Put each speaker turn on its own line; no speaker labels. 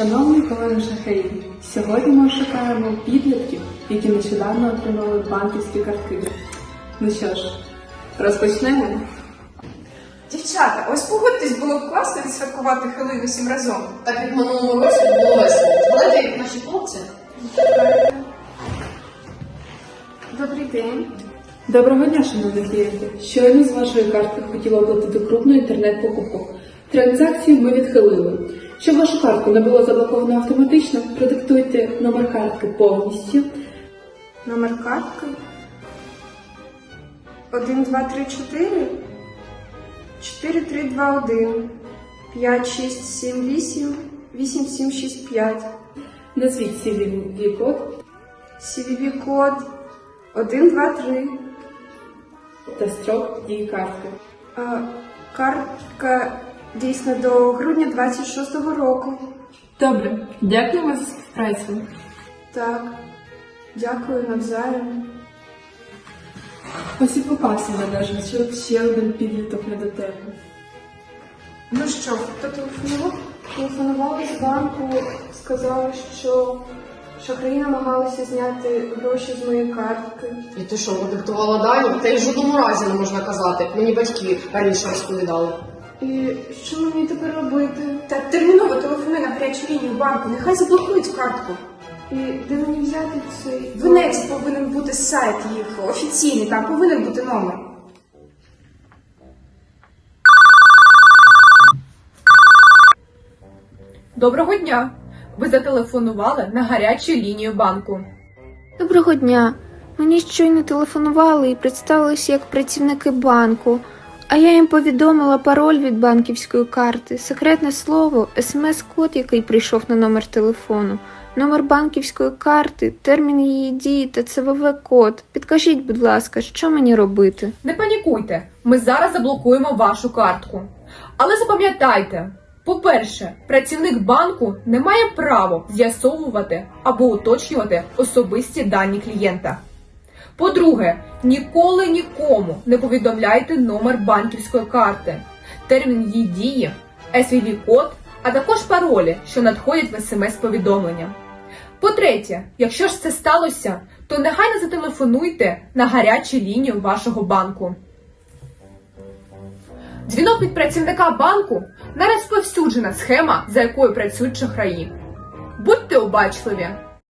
Шановні колеги шахраї, сьогодні ми шукаємо підлітків, які нещодавно отримали банківські картки. Ну що ж, розпочнемо?
Дівчата, ось погодьтесь, було б класно відсвяткувати Хеллоуін усім разом.
Так як минулому році було весело. Згадайте, як наші хлопці.
Добрий день.
Доброго дня, шановні клієнти! Щойно з вашої картки хотіла оплатити крупну інтернет-покупку. Транзакцію ми відхилили. Щоб вашу картку не було заблоковано автоматично, продиктуйте номер картки повністю.
Номер картки 1, 2, 3, 4 4, 3, 2, 1 5, 6, 7, 8 8, 7, 6, 5.
Назвіть CVV-код
CVV-код 1, 2, 3.
та строк дії картки.
Картка дійсна до грудня 26-го року.
Добре, дякуємо за співпрацю.
Так, дякую навзаєм.
Ось і попався належить, що ще один підліток не до тебе.
Ну що, хто телефонував? Телефонували з банку, сказали, що шахраї намагалися зняти гроші з моєї картки.
І ти що, продиктувала дані? Та й в жодному разі не можна казати. Мені батьки раніше розповідали.
І що мені тепер робити? Та терміново телефонуй на гарячу лінію банку, нехай заблокують картку. І де мені взяти цей? В інеті повинен бути сайт їх офіційний, там повинен бути номер.
Доброго дня! Ви зателефонували на гарячу лінію банку.
Доброго дня. Мені щойно телефонували і представилися як працівники банку, а я їм повідомила пароль від банківської карти, секретне слово, смс-код, який прийшов на номер телефону, номер банківської карти, термін її дії та ЦВВ-код. Підкажіть, будь ласка, що мені робити?
Не панікуйте, ми зараз заблокуємо вашу картку. Але запам'ятайте, по-перше, працівник банку не має права з'ясовувати або уточнювати особисті дані клієнта. По-друге, ніколи нікому не повідомляйте номер банківської карти, термін її дії, SVV-код, а також паролі, що надходять в СМС-повідомлення. По-третє, якщо ж це сталося, то негайно зателефонуйте на гарячу лінію вашого банку. Дзвінок від працівника банку – не розповсюджена схема, за якою працюють шахраї. Будьте обачливі!